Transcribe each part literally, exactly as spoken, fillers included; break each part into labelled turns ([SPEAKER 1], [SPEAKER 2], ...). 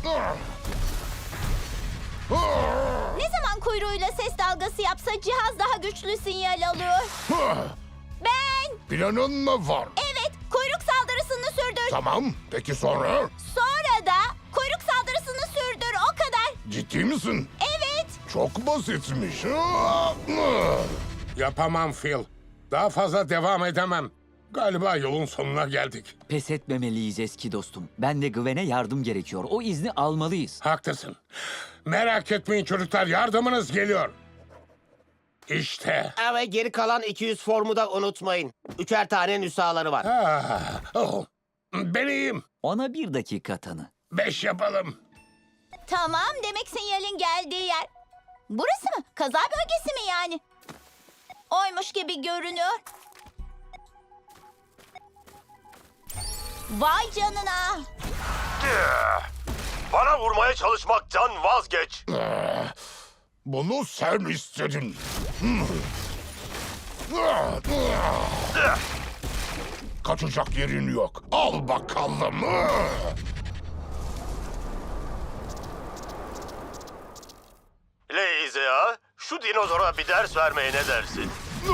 [SPEAKER 1] Ne zaman kuyruğuyla ses dalgası yapsa cihaz daha güçlü sinyal alıyor. Ben...
[SPEAKER 2] Planın mı var?
[SPEAKER 1] Evet, kuyruk saldırısını sürdür.
[SPEAKER 2] Tamam, peki sonra?
[SPEAKER 1] Sonra da kuyruk saldırısını sürdür, o kadar.
[SPEAKER 2] Ciddi misin?
[SPEAKER 1] Evet.
[SPEAKER 2] Çok basitmiş.
[SPEAKER 3] Yapamam Phil. Daha fazla devam edemem. Galiba yolun sonuna geldik.
[SPEAKER 4] Pes etmemeliyiz eski dostum. Ben de Gwen'e yardım gerekiyor. O izni almalıyız.
[SPEAKER 3] Haklısın. Merak etmeyin çocuklar, yardımınız geliyor. İşte.
[SPEAKER 5] Ve geri kalan iki yüz formu da unutmayın. Üçer tane nüshaları var.
[SPEAKER 3] Ah, oh. Ben iyiyim.
[SPEAKER 4] Ona bir dakika tanı.
[SPEAKER 3] Beş yapalım.
[SPEAKER 1] Tamam, demek sinyalin geldiği yer. Burası mı? Kaza bölgesi mi yani? Oymuş gibi görünüyor. Vay canına.
[SPEAKER 6] Bana vurmaya çalışmaktan vazgeç.
[SPEAKER 2] Bunu sen istedin. Kaçacak yerin yok. Al bakalım.
[SPEAKER 6] Leizea, şu dinozora bir ders vermeye ne dersin?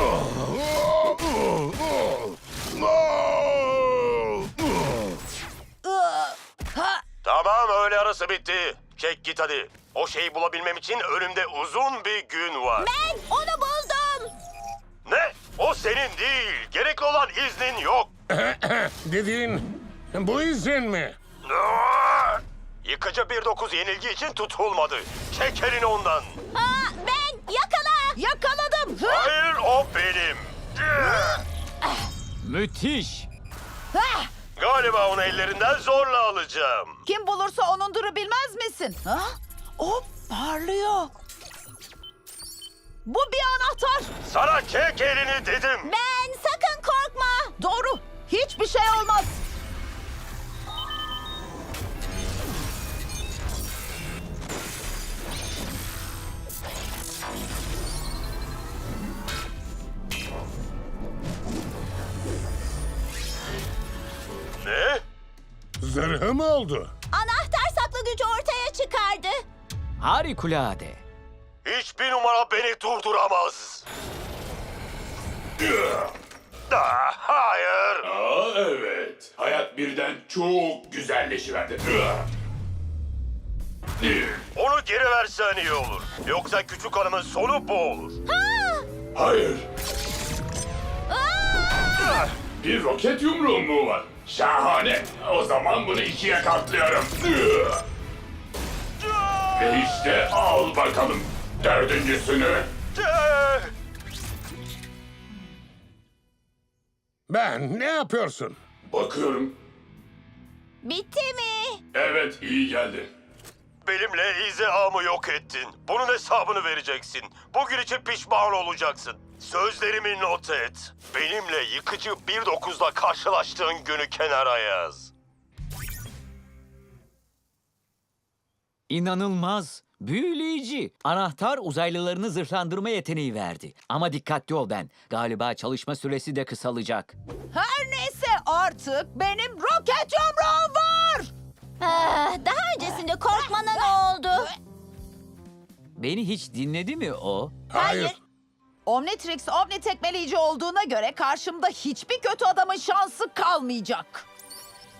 [SPEAKER 6] Tamam, öğle arası bitti. Çek git hadi. O şeyi bulabilmem için önümde uzun bir gün var.
[SPEAKER 1] Ben onu buldum.
[SPEAKER 6] Ne? O senin değil. Gerekli olan iznin yok.
[SPEAKER 3] Dediğin bu izin mi?
[SPEAKER 6] Aa! Yıkıcı bir dokuz yenilgi için tutulmadı. Çek elini ondan.
[SPEAKER 1] Aa, ben yakala. Yakaladım.
[SPEAKER 6] Hayır, o benim.
[SPEAKER 4] Müthiş!
[SPEAKER 6] Galiba onu ellerinden zorla alacağım.
[SPEAKER 7] Kim bulursa onunduru bilmez misin? Ha? O parlıyor. Bu bir anahtar.
[SPEAKER 6] Sana çek elini dedim.
[SPEAKER 1] Ben, sakın korkma.
[SPEAKER 7] Doğru. Hiçbir şey olmaz.
[SPEAKER 6] Ne?
[SPEAKER 3] Zırhı mı oldu?
[SPEAKER 1] Anahtar saklı gücü ortaya çıkardı.
[SPEAKER 4] Harikulade.
[SPEAKER 6] Hiçbir numara beni durduramaz. Ah, hayır.
[SPEAKER 8] Aa, evet. Hayat birden çok güzelleşiverdi.
[SPEAKER 6] Onu geri versen iyi olur. Yoksa küçük hanımın sonu bu olur.
[SPEAKER 8] Hayır. Bir roket yumruğum mu var? Şahane. O zaman bunu ikiye katlıyorum. Ve işte al bakalım dördüncüsünü.
[SPEAKER 6] Ah!
[SPEAKER 3] Ben, ne yapıyorsun?
[SPEAKER 8] Bakıyorum.
[SPEAKER 1] Bitti mi?
[SPEAKER 8] Evet, iyi geldi.
[SPEAKER 6] Benimle izeamı yok ettin. Bunun hesabını vereceksin. Bugün için pişman olacaksın. Sözlerimi not et. Benimle yıkıcı bir dokuzla karşılaştığın günü kenara yaz.
[SPEAKER 4] İnanılmaz. Büyüleyici. Anahtar uzaylılarını zırhlandırma yeteneği verdi. Ama dikkatli ol Ben. Galiba çalışma süresi de kısalacak.
[SPEAKER 7] Her neyse artık benim roket yumruğum var.
[SPEAKER 1] Ah, daha öncesinde korkmana ne oldu?
[SPEAKER 4] Beni hiç dinledi mi o?
[SPEAKER 1] Hayır.
[SPEAKER 7] Omnitrix Omni tekmeleyici olduğuna göre karşımda hiçbir kötü adamın şansı kalmayacak.